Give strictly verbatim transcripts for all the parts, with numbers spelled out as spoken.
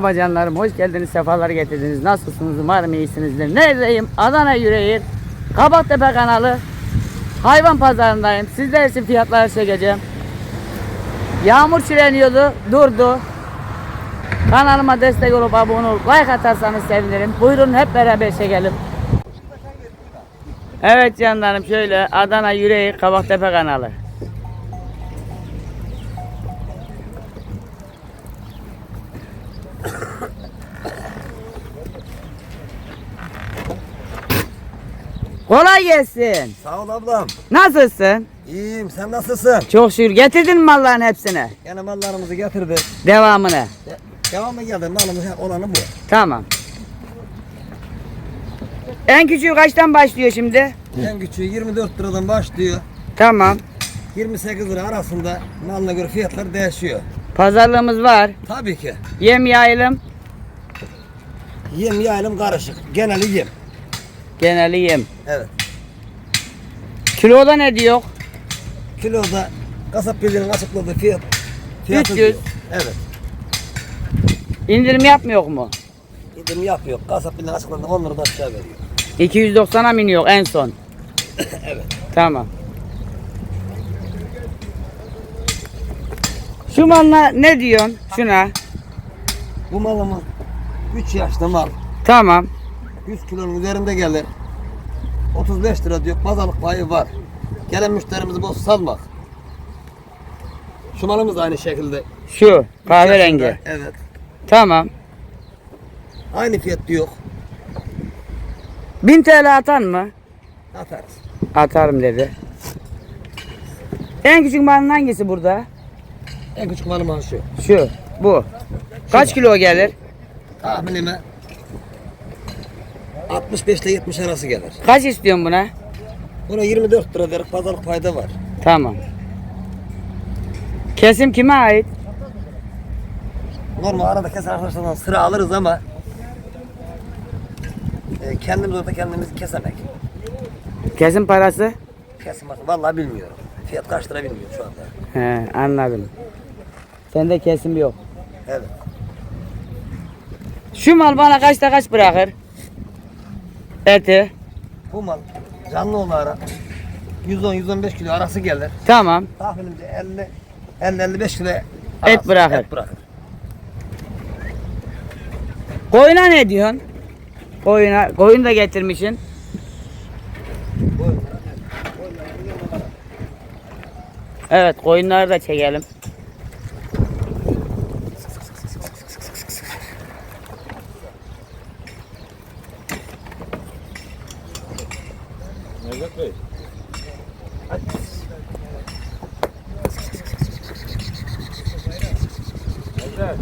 Merhaba canlarım, hoş geldiniz, sefalar getirdiniz. Nasılsınız? Umarım iyisinizdir. Neredeyim? Adana Yüreğir, Kabaktepe kanalı, hayvan pazarındayım. Sizler için fiyatları çekeceğim. Yağmur çileniyordu, durdu. Kanalıma destek olup abone olup like atarsanız sevinirim. Buyurun hep beraber çekelim. Evet canlarım, şöyle Adana Yüreğir, Kabaktepe kanalı. Kolay gelsin. Sağ ol ablam. Nasılsın? İyiyim, sen nasılsın? Çok şükür. Getirdin mi malların hepsini? Yine mallarımızı getirdik. Devamını. De devamı geldi, malımız olanı bu. Tamam. En küçüğü kaçtan başlıyor şimdi? En küçüğü yirmi dört liradan başlıyor. Tamam. yirmi sekiz lira arasında malına göre fiyatlar değişiyor. Pazarlığımız var. Tabii ki. Yem yayılım. Yem yayılım karışık. Geneli yem. Geneli yem. Evet. Kiloda ne diyor? Kiloda kasap birliğinin açıkladığı fiyat. fiyatı üç yüz. diyor. Evet. İndirim yapmıyor mu? İndirim yapıyor. Kasap birliğinin açıkladığı on liradan aşağı veriyor. iki yüz doksana mı iniyor en son? Evet. Tamam. Şu malına ne diyorsun? Şuna. Bu malımız üç yaşlı mal. Tamam. yüz kilonun üzerinde gelir. otuz beş lira diyor. Pazarlık payı var. Gelen müşterimizi boş salmak. Şu malımız da aynı şekilde. Şu kahverengi. Evet. Tamam. Aynı fiyat diyor. bin T L atan mı? Atarız. Atarım dedi. En küçük malın hangisi burada? En küçük malım şu. Şu. Bu. Kaç kilo gelir? Tahminime altmış beş ile yetmiş arası gelir. Kaç istiyorsun buna? Buna yirmi dört lira verip pazarlık payda var. Tamam. Kesim kime ait? Normal arada keser arkadaşlardan sıra alırız ama e, kendimiz orada kendimizi kesemek. Kesim parası? Kesim parası vallahi bilmiyorum. Fiyat kaç lira bilmiyorum şu anda. He, anladım. Sende kesim yok. Evet. Şu mal bana kaçta kaç bırakır? Eti. Bu mal canlı olarak yüz on yüz on beş kilo arası gelir. Tamam. Tahminimce elli elli elli beş kilo Et bırakır. Et bırakır. Koyuna ne diyorsun? Koyuna, koyun da getirmişsin. Evet, koyunları da çekelim. Nevzat Bey. Nevzat.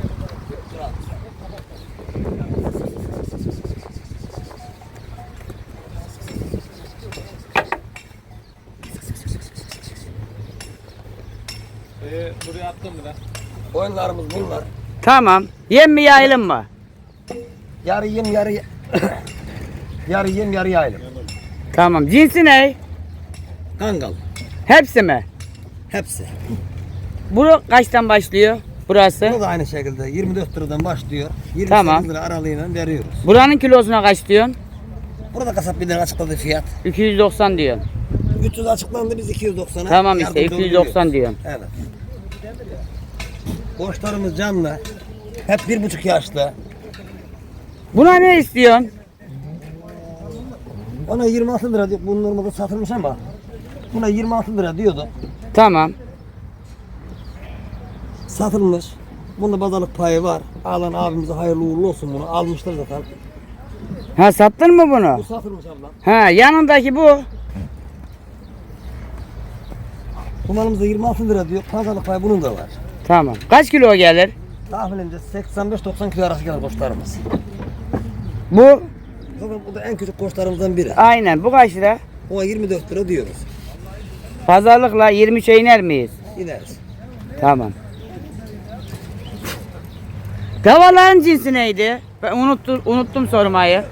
Ee, buraya attım mı lan? Oyunlarımız bunlar. Tamam. Yem mi yayılım mı? Yarı yem yarı yarı yem yarı yayılım. Tamam. Cinsi ne? Kangal. Hepsi mi? Hepsi. Bu kaçtan başlıyor? Burası. Bu da aynı şekilde yirmi dört liradan başlıyor. yirmi sekiz Tamam. lira aralığıyla veriyoruz. Buranın kilosuna kaç diyorsun? Burada kasap birliğinin açıkladığı fiyat. iki yüz doksan diyorsun. üç yüz açıklandı, biz iki yüz doksana. Tamam işte yardımcı iki yüz doksan oluyoruz. diyorsun. Evet. Koçlarımız canlı. Hep bir buçuk yaşlı. Buna ne istiyorsun? Ona yirmi altı lira diyor. Bu normalde satılmış ama buna yirmi altı lira diyordu. Tamam. Satılmış. Bunda pazarlık payı var. Alan abimize hayırlı uğurlu olsun bunu. Almışlar zaten. Ha, sattın mı Bu bunu? satılmış ablam. Ha, yanındaki bu. Bu malımızda yirmi altı lira diyor. Pazarlık payı bunun da var. Tamam. Kaç kilo gelir? Tahminimce seksen beş doksan kilo arası gelir koçlarımız. Bu. Zaten bu da en küçük koçlarımızdan biri. Aynen. Bu kaç lira? Ona yirmi dört lira diyoruz. Pazarlıkla yirmi üçe iner miyiz? İneriz. Tamam. Davaların cinsi neydi? Ben unuttum, unuttum sormayı.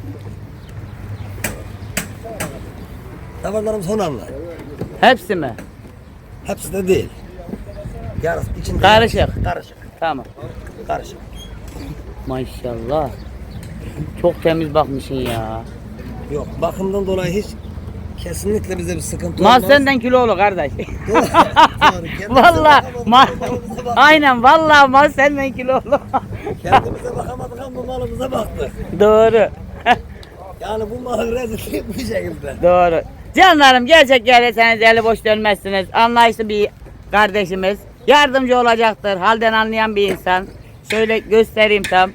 Davarlarımız Honanlı. Hepsi mi? Hepsi de değil. Yarısı içinde. Karışık. Karışık. Tamam. Karışık. Maşallah. Çok temiz bakmışsın ya. Yok bakımdan dolayı hiç kesinlikle bize bir sıkıntı Mal olmaz. senden kilolu kardeş. Doğru, doğru. Kendimize Vallahi bakamadık, mal, malımıza baktık. aynen vallahi mal senden kilolu. Kendimize bakamadık ama malımıza baktık. Doğru. Yani bu malın rezilliği bu şekilde. Doğru. Canlarım gerçek gelirseniz eli boş dönmezsiniz. Anlayışlı bir kardeşimiz. Yardımcı olacaktır. Halden anlayan bir insan. Şöyle göstereyim tam.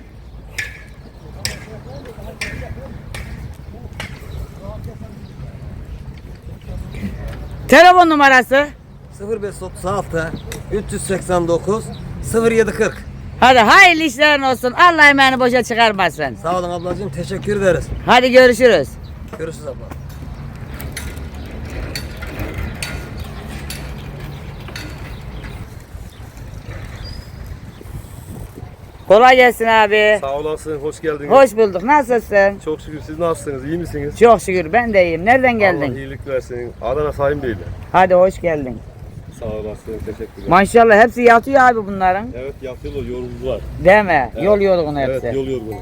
Telefon numarası. sıfır beş otuz altı üç yüz seksen dokuz sıfır yedi kırk. Hadi hayırlı işlerin olsun. Allah emeğini boşa çıkarmasın. Sağ olun ablacığım, teşekkür ederiz. Hadi görüşürüz. Görüşürüz abla. Kolay gelsin abi. Sağ olasın, hoş geldiniz. Hoş bulduk. Nasılsın? Çok şükür siz nasılsınız, iyi misiniz? Çok şükür ben de iyiyim. Nereden Allah geldin? iyilik versin. Adana Sayın Bey'le. Hadi hoş geldin. Sağ olasın, teşekkürler. Maşallah hepsi yatıyor abi bunların. Evet, yapıyorlar, yoruldular. Değil mi? Evet. Yol yorgunu hepsi. Evet, Evet, yol yorgunu.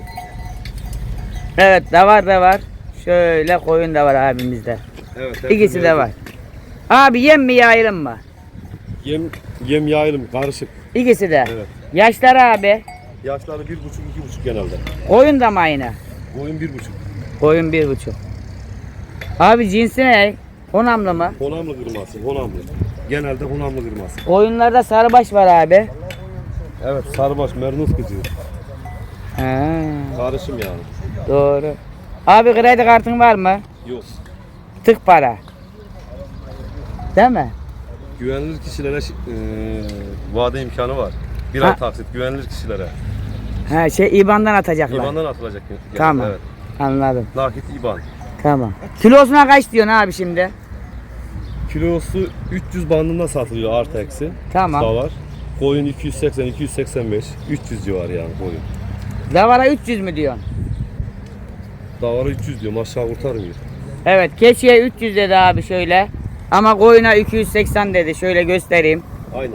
da var da var. Şöyle koyun da var abimizde. Evet, İkisi hepsi de var. Abi yem mi yayılım mı? Yem, yem yayılım, karışık. İkisi de. Evet. Yaşları abi. Yaşları bir buçuk, iki buçuk genelde. Koyun da mı aynı? Boyun bir buçuk. Koyun bir buçuk. Abi cinsi ne? Honamlı mı? Honamlı kırması, honamlı. Genelde honamlı kırması. Koyunlarda sarıbaş var abi. Evet, sarıbaş, mernos kızı. Ha, Karışım yani. doğru. Abi kredi kartın var mı? Yok. Tık para. Değil mi? Güvenilir kişilere e, vade imkanı var. Bir Ha. ay taksit güvenilir kişilere. Ha şey İban'dan atacaklar. İban'dan atılacak. yani. Tamam. Evet. Anladım. Nakit İban. Tamam. Kilosuna kaç diyorsun abi şimdi? Kilosu üç yüz bandında satılıyor artı eksi. Tamam. Da var. Koyun iki yüz seksen, iki yüz seksen beş, üç yüz civarı yani koyun. Davara üç yüz mü diyorsun? Davara üç yüz diyor, aşağı kurtarmıyor. Evet, keçiye üç yüz dedi abi şöyle. Ama koyuna iki yüz seksen dedi. Şöyle göstereyim. Aynen.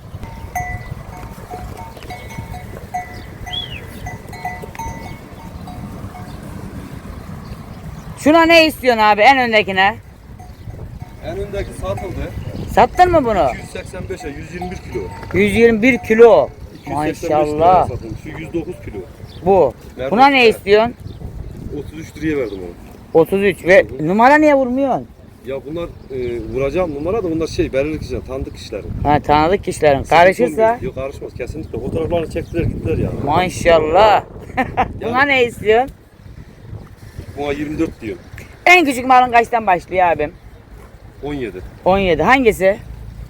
Şuna ne istiyorsun abi en öndekine? En öndeki satıldı. Sattın mı bunu? iki yüz seksen beşe yüz yirmi bir kilo. yüz yirmi bir kilo. iki yüz seksen beş liraya Maşallah. satılmış. Şu yüz dokuz kilo. Bu. Nerede? Buna ne istiyorsun? otuz üç liraya verdim onu. otuz üç ve numara niye vurmuyorsun? Ya bunlar e, vuracağım numara da bunlar şey belirli kişiler, tanıdık kişilerin. Ha tanıdık kişilerin. Karışırsa Yok karışmaz kesinlikle. Fotoğraflarını çektiler gittiler ya. maşallah. Buna ne istiyorsun? Buna yirmi dört diyor. En küçük malın kaçtan başlıyor abim? on yedi. on yedi. Hangisi?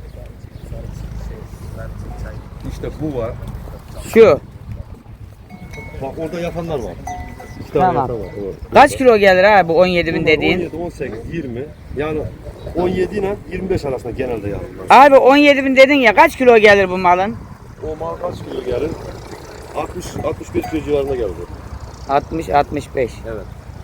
İşte bu var. Şu. Bak orada yapanlar var. İki tane Tamam. yatan var. Orada. Kaç kilo gelir abi bu on yedi bin Bunlar dediğin? on yedi, on sekiz, yirmi. Yani on yedi ile yirmi beş arasında genelde yani. Abi on yedi bin dedin ya kaç kilo gelir bu malın? O mal kaç kilo gelir? altmış altmış beş kilo civarında geldi. altmış altmış beş. Evet.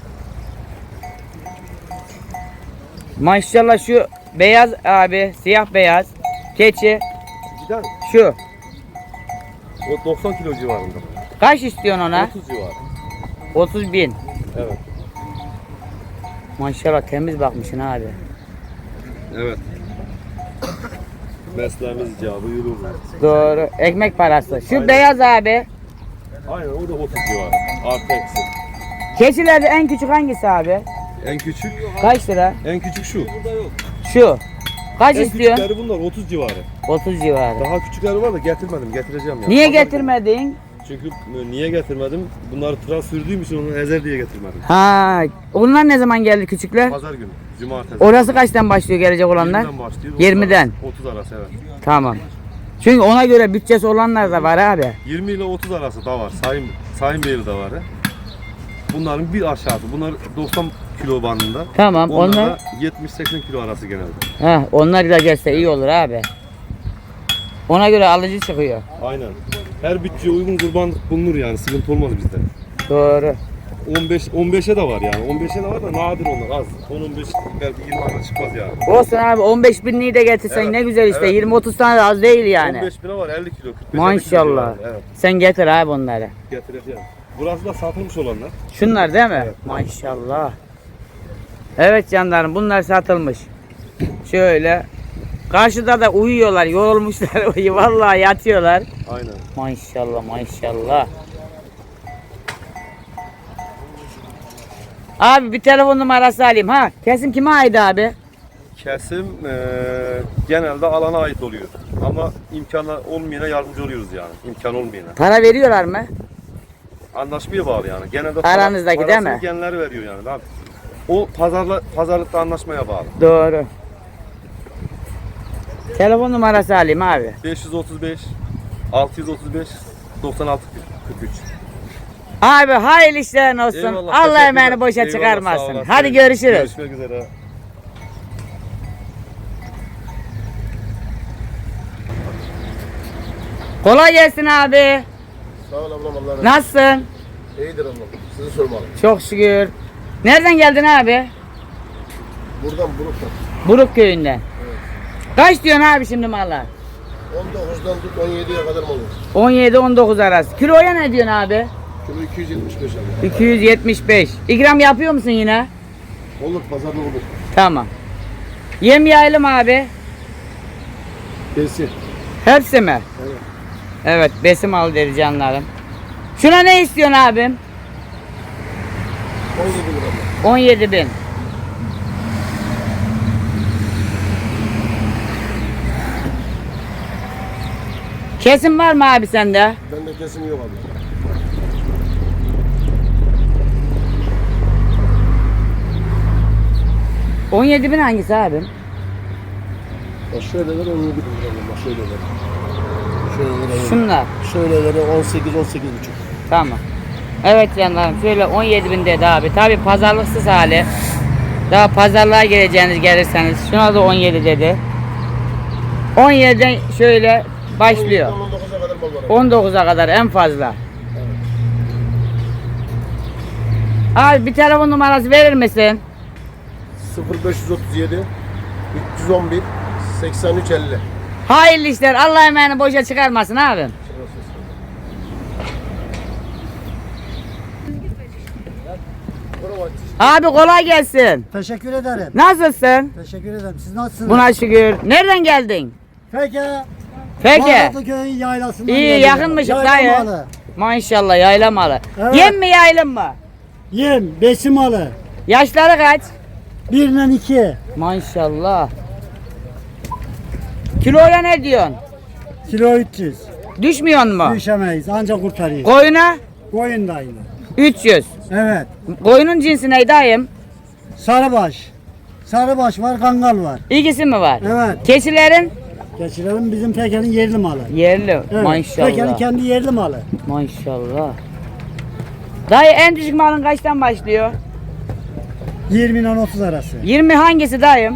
Maşallah şu beyaz abi, siyah beyaz keçi Giden şu. o doksan kilo civarında. Kaç istiyorsun ona? otuz civarı. otuz bin. Evet. Maşallah temiz bakmışsın abi. Evet. Mesleğimiz icabı yürür. Doğru. Ekmek parası. Şu Aynen. beyaz abi. Aynen o da otuz civarı. Artı eksi. Keçilerde en küçük hangisi abi? En küçük, Kaç lira? en küçük şu. Şu. Kaç En istiyorsun? küçükleri bunlar otuz civarı. otuz civarı. Daha küçükleri var da getirmedim, getireceğim yani. Niye Pazar getirmedin? günü. Çünkü e, niye getirmedim? Bunları tıraş sürdüğüm için onu ezer diye getirmedim. Ha, onlar ne zaman geldi küçükler? Pazar günü, cumartesi. Orası kaçtan başlıyor gelecek olanlar? yirmiden başlıyor. yirmiden. otuz arası evet. Tamam. Çünkü ona göre bütçesi olanlar da var abi. yirmi ile otuz arası da var. Sayın Sayın Beyli de var. he. Bunların bir aşağısı. Bunlar doksan kilo bandında. Tamam, Onlar, onlar- da yetmiş seksen kilo arası genelde. Heh, onlar da gelse iyi olur abi. Ona göre alıcı çıkıyor. Aynen. Her bütçeye uygun kurbanlık bulunur yani. Sıkıntı olmaz bizde. Doğru. on beş on beşe de var yani. on beşe de var da nadir onlar az. on on beş belki yirmi tane çıkmaz yani. Olsun abi, on beş binliği de getirsen Evet, ne güzel işte. evet. yirmi otuz tane de az değil yani. on beş bine var elli kilo. kırk beş Maşallah. elli kilo yani, evet. Sen getir abi onları. Getireceğim. Burası da satılmış olanlar. Şunlar değil mi? Evet. Maşallah. Evet canlarım, bunlar satılmış. Şöyle. Karşıda da uyuyorlar, yorulmuşlar. Vallahi yatıyorlar. Aynen. Maşallah maşallah. Abi bir telefon numarası alayım ha. Kesim kime ait abi? Kesim eee, genelde alana ait oluyor. Ama imkanı olmayana yardımcı oluyoruz yani. İmkan olmayana. Para veriyorlar mı? Anlaşmaya bağlı yani. Genelde Aranızdaki değil mi? parasını kendileri veriyor yani. Abi. O pazarla pazarlıkta anlaşmaya bağlı. Doğru. Telefon numarası alayım abi. beş yüz otuz beş altı yüz otuz beş doksan altı kırk üç. Abi hayırlı işlerin olsun. Eyvallah, Allah teşekkürler. emeğini boşa Eyvallah, sağ çıkarmasın. olasın. Hadi görüşürüz. Görüşmek üzere. Kolay gelsin abi. Sağ ol ablam, Allah razı olsun. Nasılsın? İyidir ablam. Sizi sormalı. Çok şükür. Nereden geldin abi? Buradan Buruk'tan. Buruk köyünden. Kaç diyorsun abi şimdi malla? on dokuzdan tut on yediye kadar mı olur? on yedi on dokuz arası. Kiloya ne diyorsun abi? Kilo iki yüz yetmiş beş abi. iki yüz yetmiş beş. İkram yapıyor musun yine? Olur, pazarda olur. Tamam. Yem yaylım abi. Besi. Hepsi mi? Evet. Evet, besim al dedi canlarım. Şuna ne istiyorsun abim? on yedi lira ablam. on yedi bin. Kesim var mı abi sende? Bende kesim yok abi. on yedi bin hangisi abim? Bak şöyleler on yedi lira ablam. Bak şöyleler. Şöyleler. Şunlar. Şöyleleri on sekiz on sekiz buçuk. Tamam. Evet canlarım, şöyle on yedi bin dedi abi. Tabi pazarlıksız hali. Daha pazarlığa geleceğiniz gelirseniz. Şuna da on yedi dedi. on yediden şöyle başlıyor. on dokuza kadar mal var abi. on dokuza kadar en fazla. Abi bir telefon numarası verir misin? sıfır beş otuz yedi üç yüz on bir seksen üç elli. Hayırlı işler. Allah emeğini boşa çıkarmasın abim. Abi kolay gelsin. Teşekkür ederim. Nasılsın? Teşekkür ederim. Siz nasılsınız? Buna şükür. Nereden geldin? Peki. Peki. Bağdatlı köyün yaylasından İyi, geliyorum. yakınmışız Yayla dayı. malı. Maşallah, yayla malı. Evet. Yem mi yaylım mı? Yem, besim malı. Yaşları kaç? Birden iki. Maşallah. Kiloya ne diyorsun? Kilo üç yüz. Düşmüyor mu? Düşemeyiz. Ancak kurtarıyor. Koyuna Koyun da aynı. üç yüz. Evet. Koyunun cinsi ne dayım? Sarıbaş. Sarıbaş var, kangal var. İkisi mi var? Evet. Keçilerin Geçirelim bizim tekelin yerli malı. yerli. Evet. Tekelin Maşallah. kendi yerli malı. Maşallah. Dayı en düşük malın kaçtan başlıyor? yirmi ile otuz arası. yirmi hangisi dayım?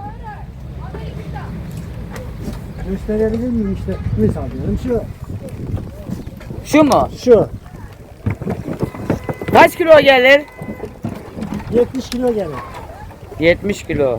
Gösterebilir miyim işte? Misal diyorum şu. Şu mu? Şu. Kaç kilo gelir? yetmiş kilo gelir. yetmiş kilo.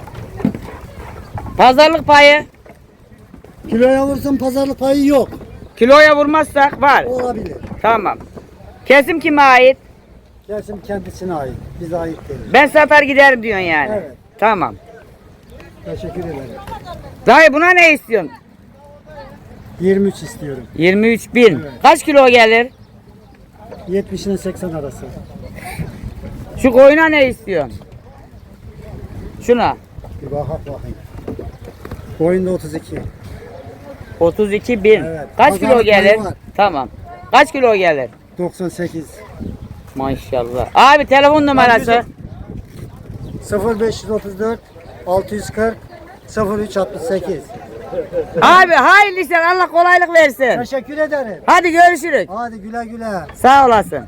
Pazarlık payı? Kiloya vursun pazarlık payı yok. Kiloya vurmazsak var. Olabilir. Tamam. Kesim kime ait? Kesim kendisine ait. Bize ait değil. Ben satar giderim diyorsun yani. Evet. Tamam. Teşekkür ederim. Dayı buna ne istiyorsun? yirmi üç istiyorum. yirmi üç bin. Evet. Kaç kilo gelir? yetmiş ile seksen arası. Şu koyuna ne istiyorsun? Şuna. Bir bakak bakayım. Boyunda otuz iki. otuz iki bin. Evet. Kaç Pazarlık kilo gelir? payı var. Tamam. Kaç kilo gelir? doksan sekiz. Maşallah. Abi telefon numarası. sıfır beş otuz dört altı yüz kırk sıfır üç altmış sekiz. Abi hayırlı işler, Allah kolaylık versin. Teşekkür ederim. Hadi görüşürüz. Hadi güle güle. Sağ olasın.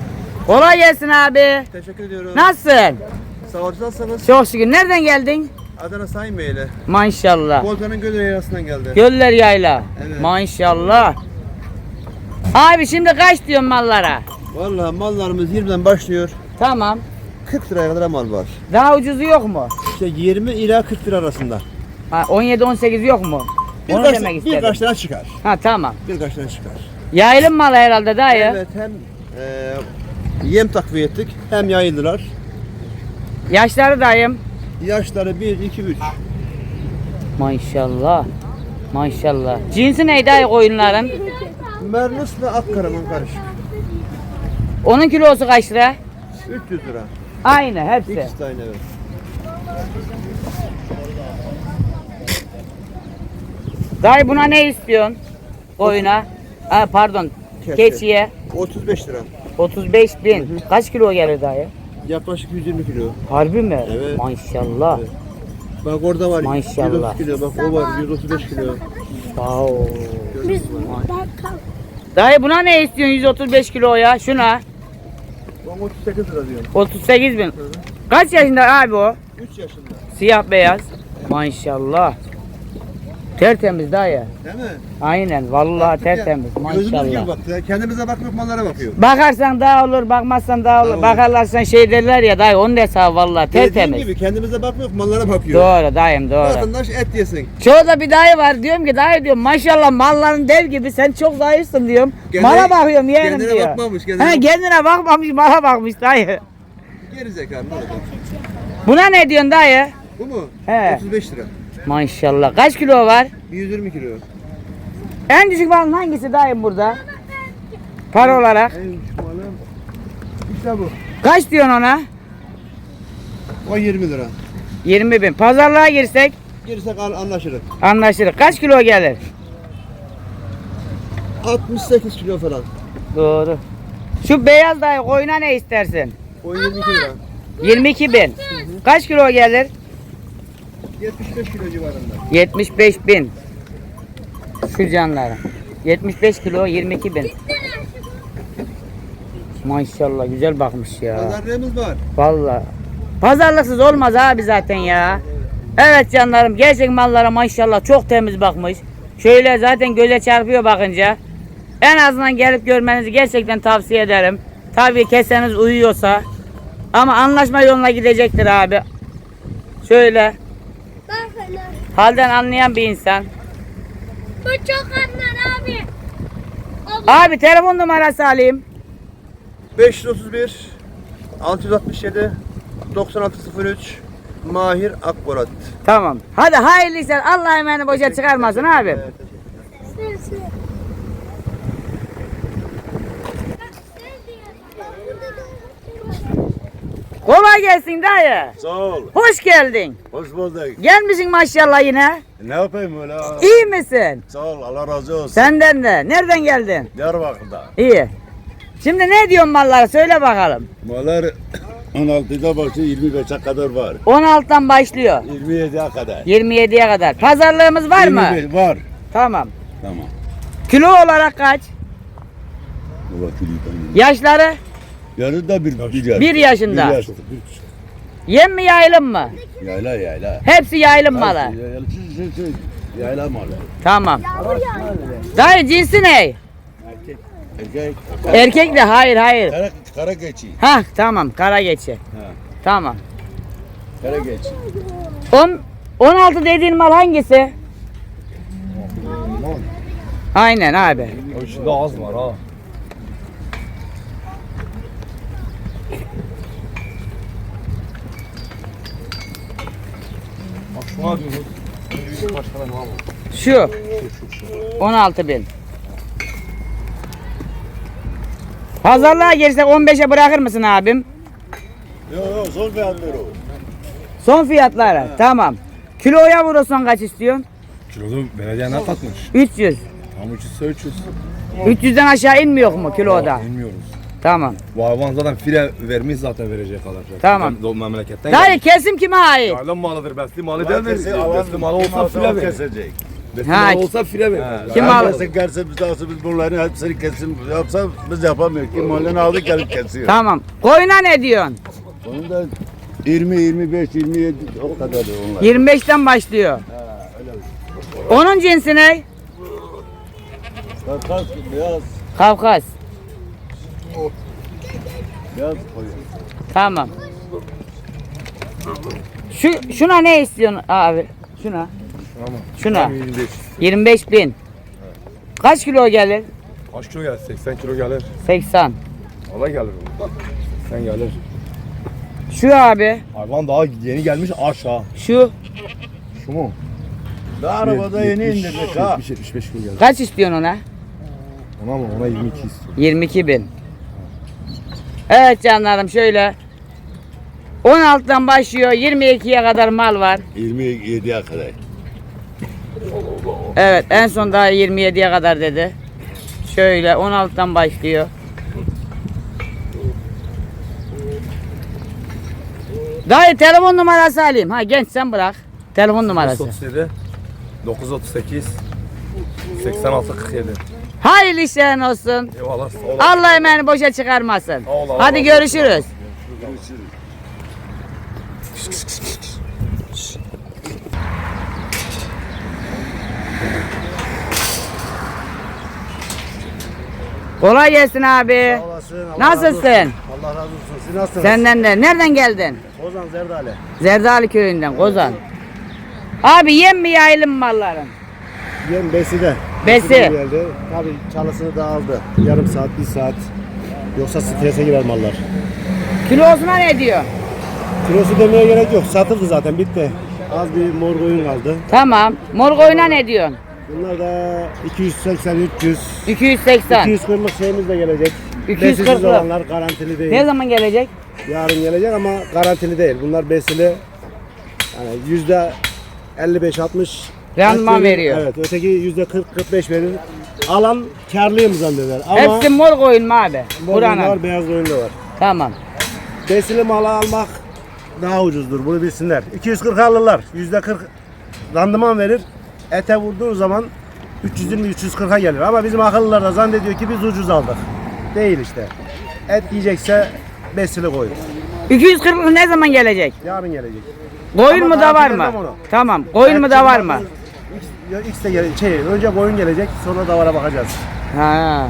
Kolay gelsin abi. Teşekkür ediyorum. Nasılsın? Sağ olun, nasılsınız? Çok şükür. Nereden geldin? Adana Sayınbeyli. Maşallah. Volkan'ın Göl Yaylası'ndan geldi. Göller yayla. Evet. Maşallah. Abi şimdi kaç diyorsun mallara? Vallahi mallarımız yirmiden başlıyor. Tamam. kırk liraya kadar mal var. Daha ucuzu yok mu? İşte yirmi ila kırk lira arasında. Ha, on yedi on sekiz yok mu? Onu Birkaç, demek istedim. birkaç tane çıkar. Ha tamam. Birkaç tane çıkar. Yaylım malı herhalde dayı. Evet, hem e, yem takviye ettik hem yayıldılar. Yaşları dayım. Yaşları bir, iki, üç. Maşallah. Maşallah. Cinsi neydi dayı koyunların? Merlus'la Akkaraman karışık. Onun kilosu kaç lira? üç yüz lira. Aynı hepsi. İkisi de aynı, evet. Dayı buna ne istiyorsun? Koyuna. Ha, pardon. Keçi. Keçiye. otuz beş lira. otuz beş bin. Kaç kilo gelir dayı? Yaklaşık yüz yirmi kilo. Harbi mi? Evet. Maşallah. Evet. Bak orada var Maşallah. yüz otuz kilo, bak o var yüz otuz beş kilo. Wow. Dayı buna ne istiyorsun yüz otuz beş kiloya? Şuna. Ben otuz sekiz lira diyorum. otuz sekiz bin. Kaç yaşında abi o? üç yaşında. Siyah beyaz. Maşallah. Tertemiz dayı. Değil mi? Aynen vallahi tertemiz. Gözümüz gibi Maşallah. baktı. ya. Kendimize bakmıyor, mallara bakıyor. Bakarsan daha olur, bakmazsan daha olur. Daha olur. Bakarlarsan şey derler ya dayı onun hesabı vallahi Dediğim tertemiz. gibi kendimize bakmıyor, mallara bakıyor. Doğru dayım doğru. Vatandaş et yesin. Çoğu da bir dayı var diyorum ki dayı diyorum maşallah malların dev gibi sen çok zayıfsın diyorum. Kendine- mala bakıyorum yeğenim kendine diyor. bakmamış, kendine He, bak- kendine bakmamış mala bakmış dayı. Geri zekalı ne olacak? Buna ne diyorsun dayı? Bu mu? He. otuz beş lira. Maşallah kaç kilo var? yüz yirmi kilo. En düşük malın hangisi dayım burada? Para olarak. En küçük malım. İşte bu. Kaç diyorsun ona? O yirmi lira. yirmi bin. Pazarlığa girsek Girsek al- anlaşırız. anlaşırız. Kaç kilo gelir? altmış sekiz kilo falan. Doğru. Şu beyaz dayı koyuna ne istersin? O yirmi iki lira. yirmi iki bin. Kaç kilo gelir? yetmiş beş kilo civarında. yetmiş beş bin. Şu canları. yetmiş beş kilo yirmi iki bin. Maşallah güzel bakmış ya. Pazarlığımız var. Vallahi. Pazarlıksız olmaz abi zaten ya. Evet canlarım gerçek mallara maşallah çok temiz bakmış. Şöyle zaten göze çarpıyor bakınca. En azından gelip görmenizi gerçekten tavsiye ederim. Tabii keseniz uyuyorsa. Ama anlaşma yoluna gidecektir abi. Şöyle. Halden anlayan bir insan. Bu çok anlar abi. Abi telefon numarası alayım. beş yüz otuz bir altı yüz altmış yedi doksan altı sıfır üç Mahir Akborat. Tamam. Hadi hayırlı işler. Allah emeğini boşa çıkarmasın abi. Evet. Kolay gelsin dayı. Sağ ol. Hoş geldin. Hoş bulduk. Gelmişsin maşallah yine. Ne yapayım öyle? İyi misin? Sağ ol. Allah razı olsun. Senden de. Nereden geldin? Diyarbakır'da. İyi. Şimdi ne diyorsun mallara söyle bakalım. Mallar on altıda başlıyor yirmi beşe kadar var. on altıdan başlıyor. yirmi yediye kadar. yirmi yediye kadar. Pazarlığımız var mı? yirmi beş var. Tamam. Tamam. Kilo olarak kaç? Baba kiliden. Yaşları? Yarın da bir, bir, yaş. Bir yaşında. Bir yaşında. Bir- Yem mi yaylım mı? Yayla yayla. Hepsi yaylım malı. Yayla, yayla, şu, şu, şu. Yayla malı. Tamam. Dayı cinsi ne? Erkek. Erkek de hayır hayır. Kara, kara geçi. Hah tamam kara geçi. Ha. Tamam. Kara geçi. on on altı dediğin mal hangisi? Aynen abi. O içinde az var ha. Bak şuna diyoruz. Başka ne var? Şu. on altı bin. Pazarlığa girsek on beşe bırakır mısın abim? Yok yok son fiyatları o. Son fiyatları. Tamam. Kiloya vurursan kaç istiyorsun? Kilodu belediye ne katmış? üç yüz. Tam üç yüz üç yüz. üç yüzden aşağı inmiyor mu kiloda? Bilmiyoruz. Tamam. Bu hayvan zaten file vermiş zaten verecek kadar. Tamam. O memleketten Dayı kesim kime ait? Yaylan malıdır, besli malı Ulan değil mi? kesin alan- Besli malı olsa file verir. kesecek. Besli Ha, malı olsa file verir. Kim Yani aldı? kesin kerse biz alsa biz bunların hepsini kesin yapsa biz yapamıyoruz. Kim malını aldı gelip kesiyor. Tamam. Koyuna ne diyorsun? Onun da yirmi, yirmi beş, yirmi yedi o kadar onlar. yirmi beşten başlıyor. Onun cinsi ne? Kafkas, beyaz, Kafkas. beyaz koyun. Tamam. Şu şuna ne istiyorsun abi? Şuna. Şuna. yirmi beş. yirmi beş bin. Kaç kilo gelir? Kaç kilo gelir? seksen kilo gelir. seksen. Valla gelir. seksen gelir. Şu abi. Hayvan daha yeni gelmiş aşağı. Şu. Şu mu? Daha arabada yeni indirdik ha. yetmiş yetmiş beş kilo gelir. Kaç istiyorsun ona? Ona mı? Ona yirmi iki istiyor. yirmi iki bin. Evet canlarım şöyle. on altıdan başlıyor. yirmi ikiye kadar mal var. yirmi yediye kadar. Evet en son daha yirmi yediye kadar dedi. Şöyle on altıdan başlıyor. Dayı telefon numarası alayım. Ha genç sen bırak. Telefon numarası. otuz yedi dokuz otuz sekiz seksen altı kırk yedi. Hayırlı işlerin olsun. Eyvallah. Sağ ol. Allah emeğini boşa çıkarmasın. Sağ ol, Hadi Allah görüşürüz. Kolay gelsin abi. Olasın. Nasılsın? Allah razı olsun. Siz nasılsınız? Senden de. Nereden geldin? Ozan Zerdale. Zerdali köyünden Kozan. Abi yem mi yayılım mı malların? Yem beside. Besi. Beside geldi. Tabii çalısını da aldı. Yarım saat, bir saat. Yoksa strese girer mallar. Kilosuna ne diyor? Kilosu demeye gerek yok. Satıldı zaten, bitti. Az bir mor koyun kaldı. Tamam. Mor koyuna ne diyorsun? Bunlar da iki yüz seksen üç yüz. iki yüz seksen. iki yüz kırklık şeyimiz de gelecek. iki yüz Besisiz kırklık. olanlar garantili değil. Ne zaman gelecek? Yarın gelecek ama garantili değil. Bunlar besili. Yani yüzde elli beş altmış Randıman veriyor. Evet, öteki yüzde kırk kırk beş verir. Alan karlıyım zanneder. Ama Hepsi mor koyun mu abi? mor koyun da Buranın. var, beyaz koyun da var. Tamam. Besili malı almak daha ucuzdur. Bunu bilsinler. iki yüz kırk alırlar. yüzde kırk randıman verir. Ete vurduğu zaman üç yüz yirmi üç yüz kırka gelir. Ama bizim akıllılar da zannediyor ki biz ucuz aldık. Değil işte. Et yiyecekse besili koyun. iki yüz kırk ne zaman gelecek? Yarın gelecek. Koyun Ama mu da var garanti mı? vermem onu. Tamam. Koyun mu da var mı? X, X de gele, şey, önce koyun gelecek, sonra davara bakacağız. Ha.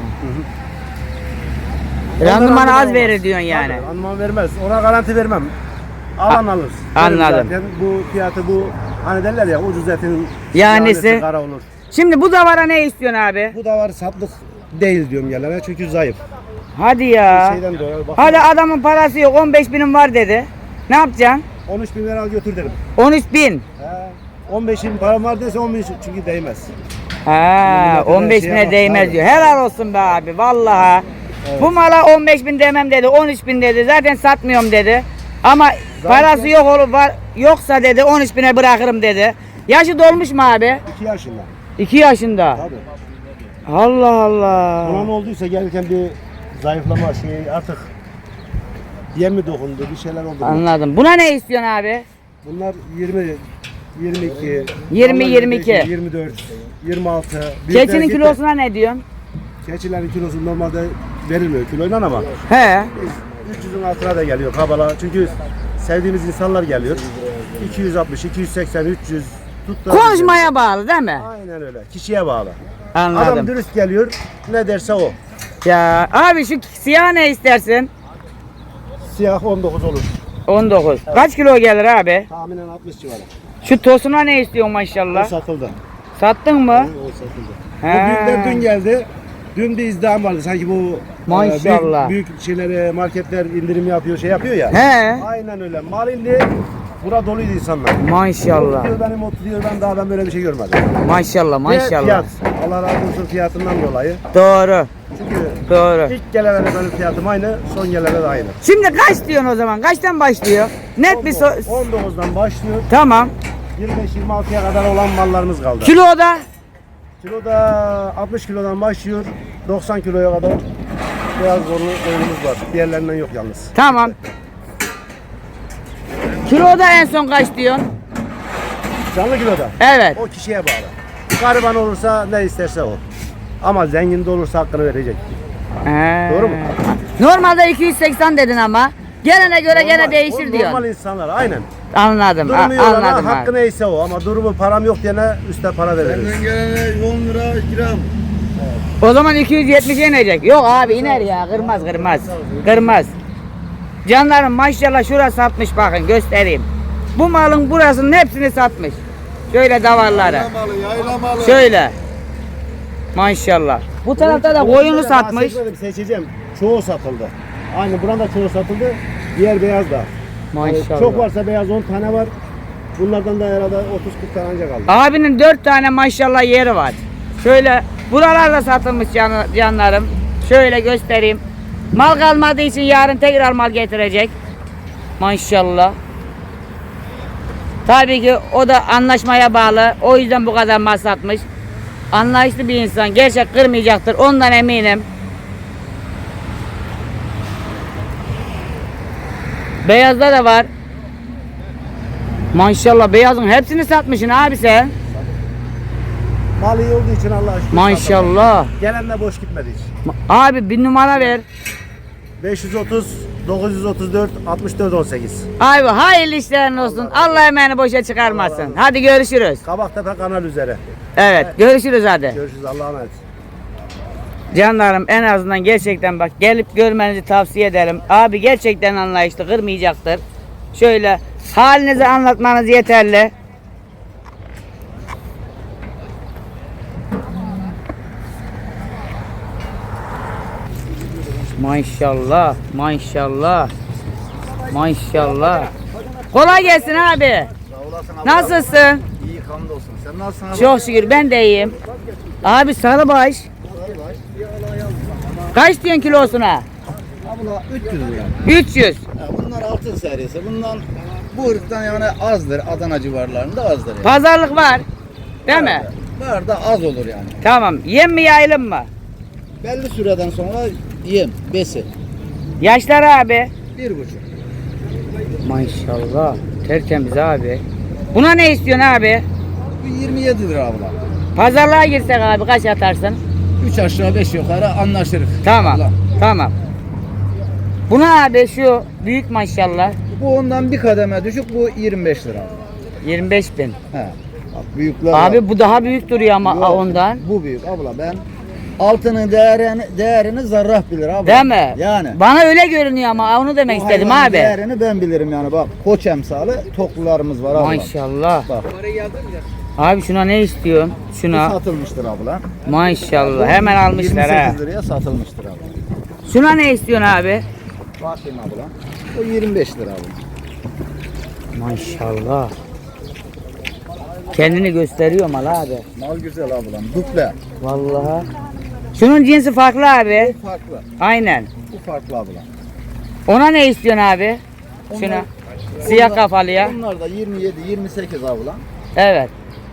Ondan Randıman az olmaz. verir diyorsun yani. Tabii, randıman vermez. Ona garanti vermem. Alan alır. anladım. Derim zaten bu fiyatı bu, hani derler ya ucuz etin Yanesi. yanesi kara olur. Şimdi bu davara ne istiyorsun abi? Bu da var, satlık değil diyorum yerlere çünkü zayıf. Hadi ya. Şeyden dolayı bak. Hadi adamın parası yok on beş binim var dedi. Ne yapacaksın? on üç bin lira al götür derim. on üç bin. He, on beş bin param var dese on bin çünkü değmez. Ha, Milletine on beş şeye bine bak, değmez tabii. diyor. Helal olsun be abi vallahi. Bu mala on beş bin demem dedi, on üç bin dedi. Zaten satmıyorum dedi. Ama parası yok olur var yoksa dedi on üç bine bırakırım dedi. Yaşı dolmuş mu abi? iki yaşında. iki yaşında. Tabii. Allah Allah. Ona ne olduysa gelirken bir zayıflama şey artık yem mi dokundu, bir şeyler oldu. Anladım. Buna ne istiyorsun abi? Bunlar yirmi, yirmi iki, yirmi, yirmi iki. yirmi dört, yirmi altı. Büyükler Keçinin gitti. kilosuna ne diyorsun? Keçilerin kilosu normalde verilmiyor kiloyla ama He. üç yüzün altına da geliyor kabala. Çünkü sevdiğimiz insanlar geliyor. iki yüz altmış, iki yüz seksen, üç yüz tuttu. Konuşmaya bağlı değil mi? Aynen öyle. Kişiye bağlı. Adam Anladım. dürüst geliyor. Ne derse o. Ya abi şu siyah ne istersin? Siyah on dokuz olur. on dokuz. Kaç kilo gelir abi? Tahminen altmış civarı. Şu tosuna ne istiyorsun O maşallah? satıldı. Sattın mı? O satıldı. He. Bu büyükler dün geldi. Dün bir izdiham vardı. Sanki bu e, Maşallah. büyük, büyük şeylere marketler indirim yapıyor, şey yapıyor ya. He. Aynen öyle. Mal indi. Bura doluydu insanlar. Maşallah. Diyor benim otuz diyor ben daha ben böyle bir şey görmedim. Maşallah Ve maşallah. fiyat. Allah razı olsun fiyatından dolayı. Doğru. Çünkü Doğru. ilk gelene benim fiyatım aynı, son gelene de aynı. Şimdi kaç diyorsun o zaman? Kaçtan başlıyor? Net bir so on dokuzdan başlıyor. Tamam. yirmi beş yirmi altıya kadar olan mallarımız kaldı. Kiloda Kiloda altmış kilodan başlıyor. doksan kiloya kadar beyaz zorlu koyunumuz var. Diğerlerinden yok yalnız. tamam. Kiloda en son kaç diyorsun? Canlı kiloda. Evet. O kişiye bağlı. Gariban olursa ne isterse o. Ama zengin de olursa hakkını verecek. He. Doğru mu? Normalde iki yüz seksen dedin ama Gelene göre gene Normal- değişir o diyor. Normal insanlar aynen. Anladım. a- Durumu yok ama anladım hakkı abi. neyse o ama durumu param yok diyene üstte para veririz. Benden gelene on lira gram. O zaman iki yüz yetmişe inecek. Yok abi iner ya. Kırmaz kırmaz. Kırmaz. Canlarım maşallah şurası satmış bakın göstereyim. Bu malın burasının hepsini satmış. Şöyle davarları. Yaylamalı, yaylamalı. Şöyle. Maşallah. Bu tarafta da koyunu Daha satmış. seçmedim, seçeceğim. Çoğu satıldı. Aynı buranın da çoğu satıldı. Diğer beyaz da. Maşallah. Çok varsa beyaz on tane var. Bunlardan da herhalde otuz kırk tane ancak kaldı. Abinin dört tane maşallah yeri var. Şöyle buralarda satılmış can, canlarım. Şöyle göstereyim. Mal kalmadığı için yarın tekrar mal getirecek. Maşallah. Tabii ki o da anlaşmaya bağlı. O yüzden bu kadar mal satmış. Anlayışlı bir insan. Gerçek kırmayacaktır. Ondan eminim. Beyazda da var. Maşallah beyazın hepsini satmışsın abi sen. Mal iyi olduğu için Allah'a şükür. Maşallah. satıldı. Gelen de boş gitmedi hiç. Abi bir numara ver. beş yüz otuz, dokuz yüz otuz dört, altmış dört, on sekiz. Abi hayırlı işlerin olsun. Allah emeğini boşa çıkarmasın. Hadi görüşürüz. Kabaktepe kanal üzere. Evet görüşürüz hadi. Görüşürüz, Allah'a emanet. Canlarım en azından gerçekten bak gelip görmenizi tavsiye ederim. Abi gerçekten anlayışlı kırmayacaktır. Şöyle halinizi anlatmanız yeterli. Maşallah, maşallah, maşallah. Kolay gelsin abi. Nasılsın? İyi hamdolsun. Sen nasılsın abi? Çok şükür ben de iyiyim. Abi sarıbaş. Kaç diyorsun kilosuna? Abla üç yüz lira. üç yüz. Ya bunlar altın serisi. Bundan bu ırktan yani azdır. Adana civarlarında azdır yani. Pazarlık var. Değil mi? Var da az olur yani. Tamam. Yem mi yayılım mı? Belli süreden sonra yem, besi. Yaşlar abi. Bir buçuk. Maşallah. Tertemiz abi. Buna ne istiyorsun abi? Bu yirmi yedi lira abla. Pazarlığa girsek abi kaç atarsın? Üç aşağı beş yukarı anlaşırız. Tamam. Abla. Tamam. Buna abi şu büyük maşallah. Bu ondan bir kademe düşük, bu yirmi beş lira abla. yirmi beş bin. He. Bak büyükler var. Abi bu daha büyük duruyor ama Yok, ondan. Bu büyük abla, ben altının değerini, değerini zarrah bilir abla. Değil mi? Yani. Bana öyle görünüyor ama onu demek Bu istedim hayvanın abi. değerini ben bilirim yani, bak koç emsalı toklularımız var abla. Maşallah. Bak Abi şuna ne istiyorsun? bu Şuna. satılmıştır abla. Maşallah. Hemen almışlar ha. yirmi sekiz liraya satılmıştır abla. Şuna ne istiyorsun abi? Bakayım abla. O yirmi beş lira abla. Maşallah. Kendini gösteriyor mal abi. Mal güzel ablam. Duple. Vallahi. Şunun cinsi farklı abi. Bu farklı. Aynen. Bu farklı abla. Ona ne istiyorsun abi? Şuna. Onlar- Siyah Onlar- kafalıya. Bunlar da yirmi yedi yirmi sekiz abla. Evet.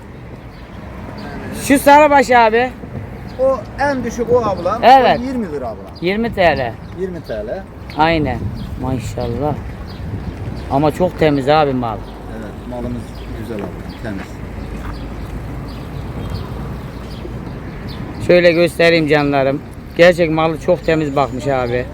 Şu sarıbaş abi. O en düşük o abla. Evet. O yirmi lira abla. yirmi TL. yirmi TL. Aynen. Maşallah. Ama çok temiz abi mal. Evet, malımız güzel abla. Temiz. Şöyle göstereyim canlarım. Gerçek malı çok temiz bakmış abi.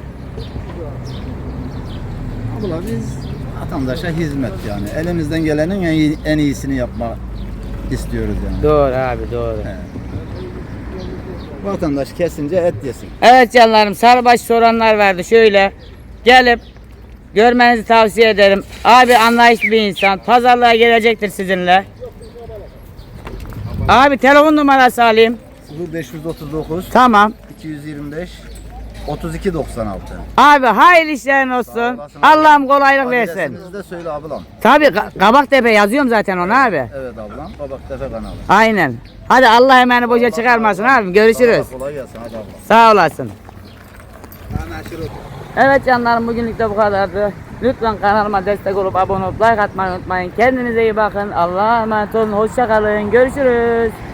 Abla biz vatandaşa hizmet yani. Elimizden gelenin en, iyi, en iyisini yapma istiyoruz yani. Doğru abi doğru. Evet. Vatandaş kesince et yesin. Evet canlarım sarıbaş soranlar vardı. Şöyle gelip görmenizi tavsiye ederim. Abi anlayışlı bir insan. Pazarlığa gelecektir sizinle. Abi telefon numarası alayım. sıfır beş otuz dokuz Tamam. iki yüz yirmi beş otuz iki doksan altı. Abi hayırlı işlerin olsun. Allah'ım kolaylık versin. Adresimizi de söyle ablam. Tabii Ka- Kabaktepe yazıyorum zaten ona abi. Evet ablam. Kabaktepe kanalı. Aynen. Hadi Allah emeğini boşa çıkarmasın abi. Görüşürüz. Sağ ol, kolay gelsin hadi ablam. Sağ olasın. Evet canlarım bugünlük de bu kadardı. Lütfen kanalıma destek olup abone olup like atmayı unutmayın. Kendinize iyi bakın. Allah'a emanet olun. Hoşça kalın. Görüşürüz.